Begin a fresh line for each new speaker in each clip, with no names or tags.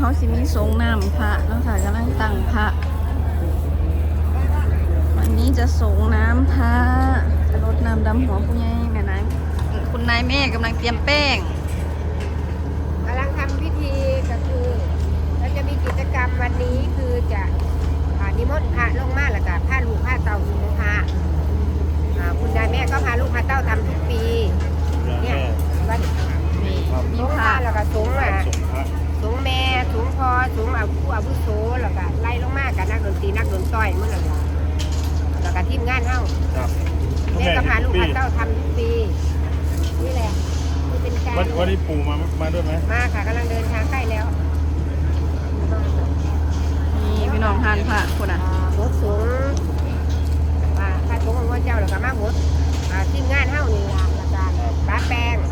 เขาสิมีสงน้ำพระแล้วค่ะกำลังตั้งพระวันนี้จะสงน้ำพระจะรดน้ำดำหัวผู้ใหญ่แม่นางคุณนายแม่กำลังเตรียมแป้ง
กำลังทำพิธีก็คือเราจะมีกิจกรรมวันนี้คือจะนิมนต์พระลงมาแล้วก็พาลูกพาเต่าสู่พระคุณนายแม่ก็พาลูกพาเต่าทำทุกปีเนี่ยวันมีพระแล้วก็สงฆ์สงฆ์แม่สงฆ์พ่อสงฆ์ผู้อาวุโสแล้วก็ไล่ลงมากับนักดนตรีนักดนตรีเมื่อไหร่แล้วก็ทีมงานเฮ้าแม่ก็พาลูกพาเต่าทำทุกปีนี่แหละนี่เป็นการ
วันนี้ปู่มาด้วยไหม
มาค่ะกำลังเดินทางใกล้แล้ว
นี่พี่น้องทานพระคนอ่ะ
หดสูงพระสงฆ์ของพระเจ้าแล้วก็มาหดทีมงานเฮ้านี่ละอาจารย์ป้าแป้ง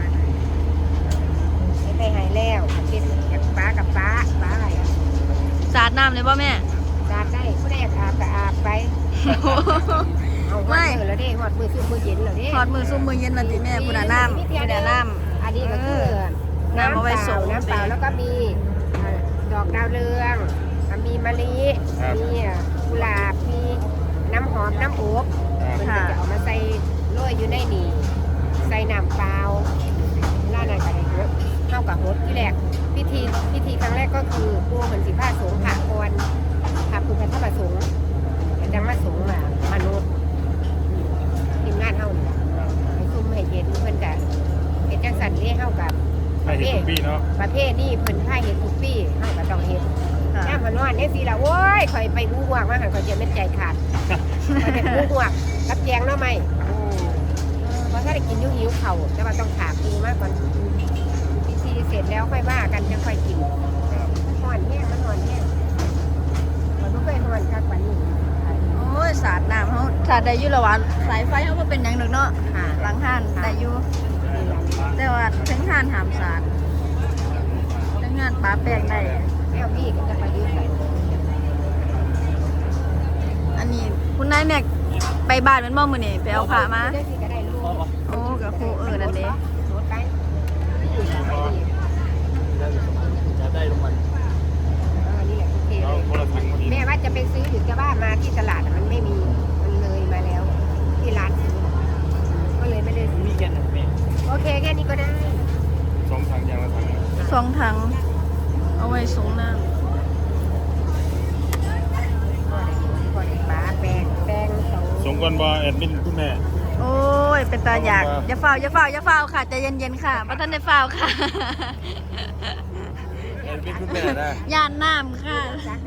ไปหายแล้วเป็นกับป้าอะไร
สาดน้ำเลยป่ะแม่
สาดได้ผู้ใดอยากอาบก็อาบไปเอาไม่แล้วดิหอดมือซุ่มมือเย็นแล้วดิ
หอดมือซุ่มมือเย็นแล้วดิแม่ผู้ใดน้ำผู้ใดน้ำ
อันนี้ก็คือน้ำเปล่าแล้วก็มีดอกดาวเรืองมีมะลิมีกุหลาบมีน้ำหอมน้ำอบมันจะเอามาใส่โรยอยู่ในนี่ใส่น้ำเปล่าล่าหน่อยกันเลยครับเข้ากับฮดที่แรกพิธีครั้งแรกก็คือปูเหมือนสีผ้าสงฆ์ผ่าคอนผ่าคือพระธรรมสงฆ์จังมาสงฆ์มนุษย์ทีมงานเท่านี้ให้ซุ่มให้เย็นเพื่อนกันเห็นจังสันนี่เท่ากับ
ประเภทปีเนาะ
ประเภทนี่เพิ่นผ้าเห็ดทุกปีเท่ากับต้องเห็ดแค่มันนอนเนี่ยสิละโว้ยคอยไปหูห่วงมาหันคอยจะไม่ใจขาดคอยเป็นหูห่วงรับแจงเนาะไหมเพราะถ้าได้กินหิวเข่าแต่ว่าต้องถามดูมากก่อนพิธีเสร็จแล้วค่อยว่ากันจะค่อยกินห่อนแห้งมันห่อนแห้งมันไม่เคยห่อนกักปันนี้
โอ้ยสาดน้ำเขาสาดได้อยู่ละวันสายไฟเขาก็เป็นอย่างหนึ่งเนาะหลังห้านได้อยู่แต่ว่าทั้งห้านหามสาดทั้งงานปลาแป้งได้
แก้วพี่ก็จะไปยืม
อันนี้คุณนายแม็กไปบ้านเป็นม่อมือนี่ไปเอาผ้ามาโอ้กับครูนั่นเอง
จะได้ลงมัน
แม่ว่าจะไปซื้ออยู่จะบ้านมาที่ตลาดมันไม่มีมันเลยมาแล้วที่ร้านซื้อก็เลยไม่ได้
มีแค่ไหนแม่
โอเคแค่นี้ก็ได้
2 ถังอย่างละถัง
2 ถังเอาไว้สงน้ำ
สงก่อนบ่แอดมินคุณแม่
โอ้ยเป็นตาอยากอย่าเฝ้าค่ะใจเย็นๆค่ะพระท่านได้เฝ้าค่ะ
แอดมินคุณแม่นะ
ย่านน้ำค่ะ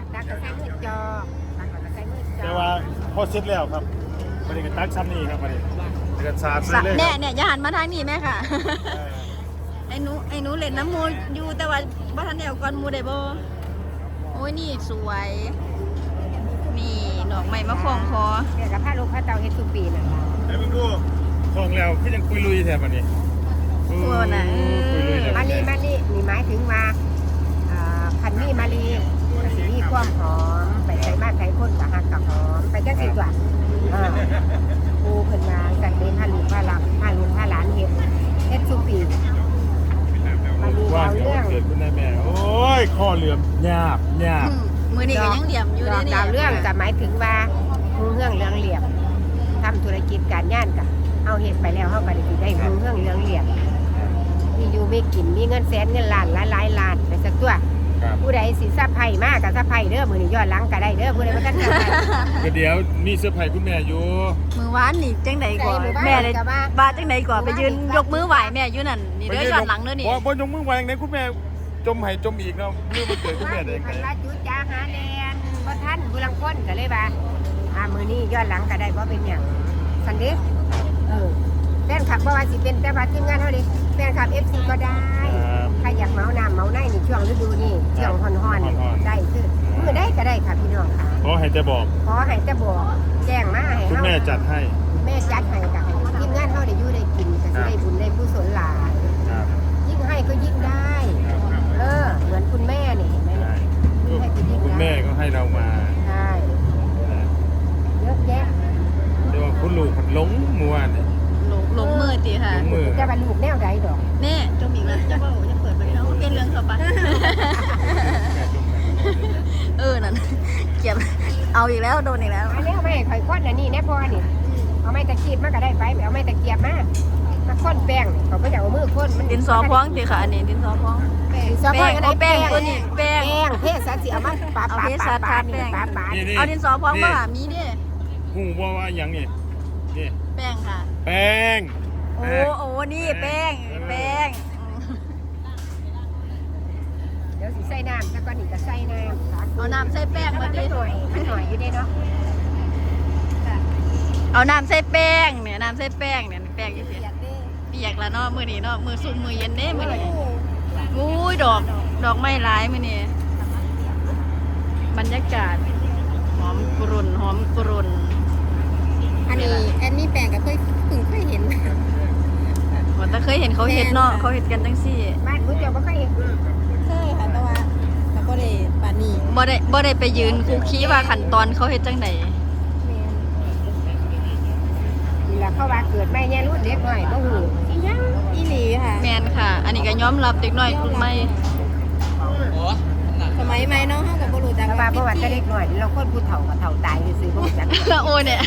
แต่ว่าพอเสร็จแล้วครับวันนี้ก็ตักซ้ำนี่ครับวันนี้ก็สาดเลย
เนี่ยอย่าหันมาทางนี้แม่ค่ะไอ้หนูเล่นน้ำมูอยู่แต่ว่าพระท่านเดียวก่อนมูได้บ่โอ้ยนี่สวยมีดอกไม้มะคองคอ
เดี๋ยวกับผ้าลูกผ้าเตาเฮ็ดทุกปีน่ะ
ไอ้มึงดูคองแล้วพี่ยังคุยลุยแถบวันนี้
ตัวน่ะ
มาลีนี่หมายถึงว่าพันมีมาลีมีความหอมไปใส่บ้านใส่คนกับหักกับหอมไปจังสิกว่าปูเพิ่นมาจัดเป็นผ้าลูกผ้าหลับผ้าลูกผ้าหลานเฮ็ดทุกปีมาลีดาวเรื่อง
เกิดคุณแม่โอ้ยข้อเหลื่อมหยาบ
มือนี่ก็ยังเหลี่ยมอยู่เลย
ดาวเรื่องจะหมายถึงว่าเรื่องเหลี่ยมทำธุรกิจการงานกับเอาเห็นไปแล้วเขาก็ได้เรื่องเหลี่ยมมีอยู่ไม่กินมีเงินแสนเงินล้านหลายล้านไปสักตัวผู้ใดสิทรัพย์ไผ่มากกับทรัพย์ไผ่เด้อมือนี่ย้อนหลังก็ได้เด้อผู้ใดมาตั้งใจ
เดี๋ยวมีเสื้อไผ่คุณแม่อยู่
มือวานนี่จังไหนก่อนแม่เลยบ้าจังไหนก่อนไปยืนยกมือไหวแม่อยู่นั่นนี่เด้อย้อนหลังเด้อนี่
บ่ยกมือไหวอย่างไหนคุณแม่จมไห้จมอีกเนาะมือมันเกิดคุณแม่ได้ไง
ละจุดจ้าหาแลนบ่ท่านบุรังก้นก็เลยว่ามือนี้ย้อนหลังก็ได้เพราะเป็นอย่างสันเดชแฟนคลับเพราะว่าสิเป็นแต่ว่าทีมงานเท่านี้แฟนคลับ FC ก็ได้ใครอยากเมาน้ำเมาในในช่วงฤดูนี้ช่วงฮ้อนๆได้คือมือได้ก็ได้ค่ะพี่น้องค่ะ
ขอให้จะบอก
แจ้งมาให้
คุณแม่จัดให้
แม่จัดให้กับทีมงานเท่าได้อยู่ได้กินก็จะได้บุญได้กุศลหลายยิ่งให้ก็ยิ่งได้เหมือนคุณแม่นี่เห็นไหม
คุณแม่ก็ให้เรามา
ใช่เยอะแยะ
เดี๋ยวคุณลูกหลงมัวเนี่ย
หลงมือตีค่ะ
จะบรรลุแนวใดดอก
แน่จมอีกแล้วจะเปิดไปแล้วเป็นเรื่องต่อไปเอาอีกแล้วโดนอีกแล้ว
อันนี้เอาไม่ข่อยก้นอันนี้แน่พอนี่เอาไม่ตะกีบมาก็ได้ไปเอาไม่ตะเกียบมาค้นแป้งเขาก็จะเอามือค้นมัน
ดินสอพองติค่ะอันนี้ดินสอพอง
ซอพองก็ได้
แป้งตัวนี้แป้ง
เทศสิเอามาปา
เอาเทศทาแป้ง
ปา
เอาดินสอพองมามีดิ
หูว่าอย่างนี้นี่
แป้งค่ะ
แป้ง
โอ้นี่แป้ง
เดี๋ยวสิใส่น้ำแล้วก็นี่จะใส่น้ำ
เอาน้ำใส่แป้งมาดิ
มันหน่อยอยู่ได้เนาะ
เอาน้ำใส่แป้งเนี่ยน้ำใส่แป้งเนี่ยแป้งอยู่สิเปียกแล้วเนาะมือนี้เนาะมือซุ่มมือเย็นเด้มือนี้อุ้ยดอกไม้หลายมือนี้บรรยากาศหอมกรุ่น
อันนี้แอนนี่แปลงก็เคยเห็น
ว่าแต่เคยเห็นเขาเห็ดเนาะเขาเห็ดกันจังซี่
บ้านผู้เจ้าบ่เคยเห็น
เคยค่ะแต่ว่าเราก็ได้ปานนี้
บ่ได้ไปยืนคุกคีว่าขั้นตอนเขาเฮ็ดจังได
นี่ล่ะเขาว่าเกิดแม่แย่รุ่นเด็กหน่อยบ่ฮู้อีหยัง
อีหลีค่ะ
แม่นค่ะ อันนี้ก็ยอมรับเด็กน้อยกลุ่มใหม่
สมัยใหม่เนาะเฮาก็บ่รู้จัก
แต่ว่าประวัติเด็กหน่อยเราคนผู้เฒ่าก็เฒ่าตายซื่อๆบ่รู้จัก
โอ้เนี่ย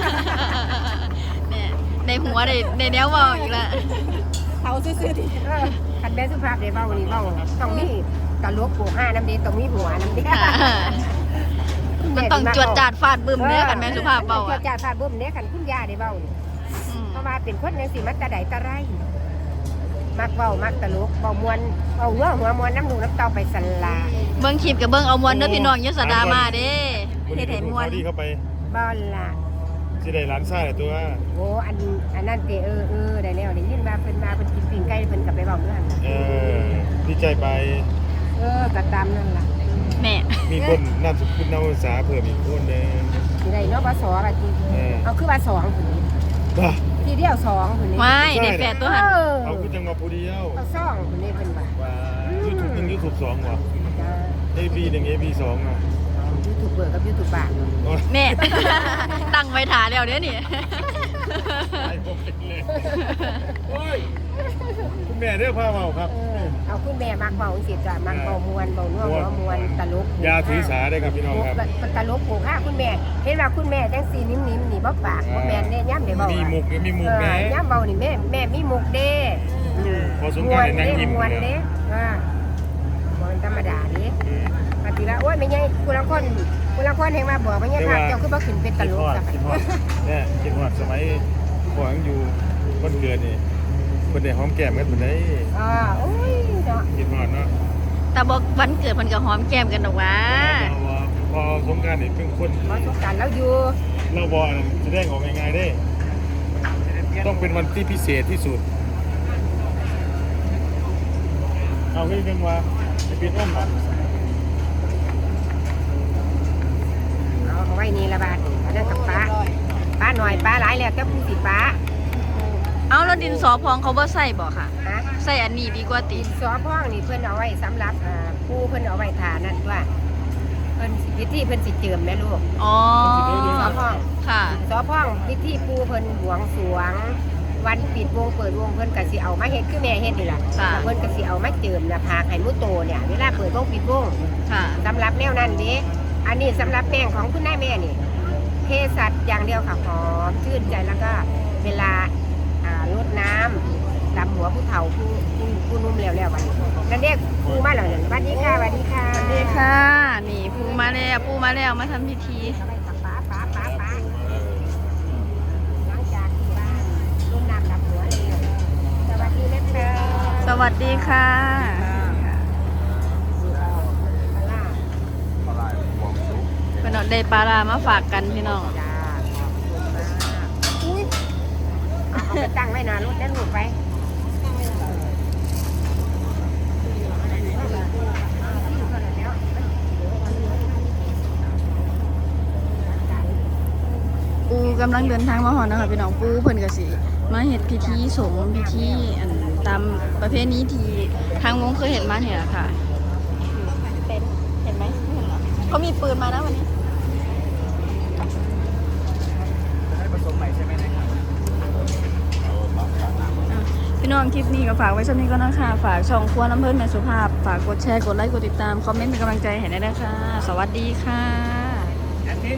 เนี่ยในหัวในแนวเว้าอีกแล้ว
เขาซื่อๆดิ
คันแม่สุภาพได้เว้านี่เว้าต้องมีตลกโปกห้าน้ำเด้ต้องมีหัวน้ำเด้
ค่ะมันต้องจวดจาดฟาดบึ้มเด้อกันแม่สุภาพเว้า
จว
อ่ะ
ดจาดฟาดบึ้มเด้คันคุณย่าได้เว้านี่
อืม
เพราะว่าเป็นคนจังซี่มันตะไดตะไรมักเว้ามักตลกเว้าม่วนเอาหัวม่วนน้ำหนูน้ำเต้าไปสันลา
เบิ่งคลิปกับเบิ่งเอามวนเด้อพี่น้องอย่าสะดามาเด้เฮ็ดให้มวน
ดีเข้าไป
บ่ล่ะ
สิได้ร้านซ่าตัว
โอ้อันนั้นเตได้แล้วได้ยินว่าเพิ่นมาเพิ่นกินปิ้งไก่เพิ่นก็ไปเว้าเรื่อง
ดีใจไป
ก็ตามนั่นล่ะ
แม่
มีคนนามสกุลนามภาษาเพิ่มอีกคนนึง
สิได้เนาะบ่สอว่าจริงเอาคือว่า2พุ่นนี่
บ้า
ทีเดียว2พุ่นนี่
ไม่ได้แฝดตัวหัน
เอาคือจังมาผู้เดียว
เอา2พุ่นนี่เพิ่นว่า
ว่า YouTube 1 YouTube 2ว่ะ
จ้า
AB 1 AB 2อ่ะ
ยูทูบเบอร์กับยูทูบบาร์
แน่ ตั้งไว้ถาแล้วเด้อนี่
ไอ้ผมเป็นเลยโอ้ยคุณแม่เด้อพาเมาครับ
เอาคุณแม่มักเบาสิจ้ะมักเบามวนเบานัวหัวมวนตลก
ยาถือสาได้ครับพี่น้องครับ
ตลกโผล่คุณแม่เห็นว่าคุณแม่จังสีนิ่มๆนี่บ่ปากบ่แม่นเด้ย่ำได้เบา
มีมุกมีมุกแม่
ย่ำเบานี่แม่มีมุกเด้
พอสมควรในนั่งยิ้ม
มวน
เลย
เด้บ่ธรรมดาเด้ปฏิละโอ้ยไม่ใช่คุณละคนแห่งมาบอกว่าเนี่ยค่ะเจ้าคือบ่ขึ้นเป็นตลกจ้ะ
คิดฮอดเนี่ยคิดฮอดสมัยพ่อยังอยู่คนเกิดนี่คนได้หอมแก้มกันเหมือนได้
โอ้ยเนาะ
คิดฮอดเนาะ
แต่บอกวันเกิดมันก็หอมแก้มกันดอกว่า
พอสงการนี่เป็นคน
บ่สงกรานต์แล้วอยู่
เราบอลแสดงออกง่ายๆได้ ต้องเป็นวันที่พิเศษที่สุด เอาขึ้นกันว่าจะปิดอ้อมก่อน
เอาไว้นี่ละบาดอันนั้นกับป้าหน่อยป้าหลายแล้วแต่ผู้สิป้า
เอาแล้วดินสอพองเขาบ่ใส่บ่ค่ะ
ฮะ
ใส่อันนี้ดีกว่าติ
ดินสอพ่องนี่เพิ่นเอาไว้สำหรับผู้เพิ่นเอาไว้ทานั่นว่าเพิ่นสิพิธีเพิ่นสิเจิมแม่ลูก
อ๋อ
ดินสอพ่อง
ค่ะ
สอพ่องพิธีปูเพิ่นบวงสรวง วันปิดวงเปิดวงเพิ่นก็สิเอามาเฮ็ดคือแม่เฮ็ดนี่ล่ะ
ค่ะ
เพิ่นก็สิเอามาเจิมหน้าผากให้มุโตเนี่ยเวลาเปิดวงปิดวง
ค่ะ
สำหรับแนวนั้นเด้อันนี้สำหรับแป้งของคุณนายแม่นี่เทสัตว์อย่างเดียวค่ะหอมชื่นใจแล้วก็เวลารดน้ำดำหัวผู้เฒ่าผู้นุ่มแล้ววันนี้นั่นเด็กปูมาแล้วเนี่ยสวัสดีค่ะสวัสดีค่ะ
สวัสดีค่ะ นี่ปูมาแล้วมาทำพิธี
เอาไปกับป้าหลังจากที่บ้านรุ่นน้ำดำหัวเลยสวัสดีนะคะ
สวัสดีค่ะ เป็นเอาได้ปลาร้ามาฝากกันพี่น้อง
จ้าเอาไปตั้งไว้นานรถนั่นลูกไป
ปูกำลังเดินทางมาหอนะคะพี่น้องปูเพิ่นก็สิมาเฮ็ดพิธีสงฆ์พิธีอันตามประเพณีที่ทางวงเคยเห็นมาเนี่ยค่ะเป็นเห็นไหมไม่เห็นเหรอเขามีปืนมานะวันนี้พี่น้องคลิปนี้ก็ฝากไว้ช่วงนี้ก็นะคะฝากช่องครัวน้ำเพิ่นแม่สุภาพฝากกดแชร์กดไลค์กดติดตามคอมเมนต์เป็นกำลังใจให้ได้นะคะสวัสดีค่ะ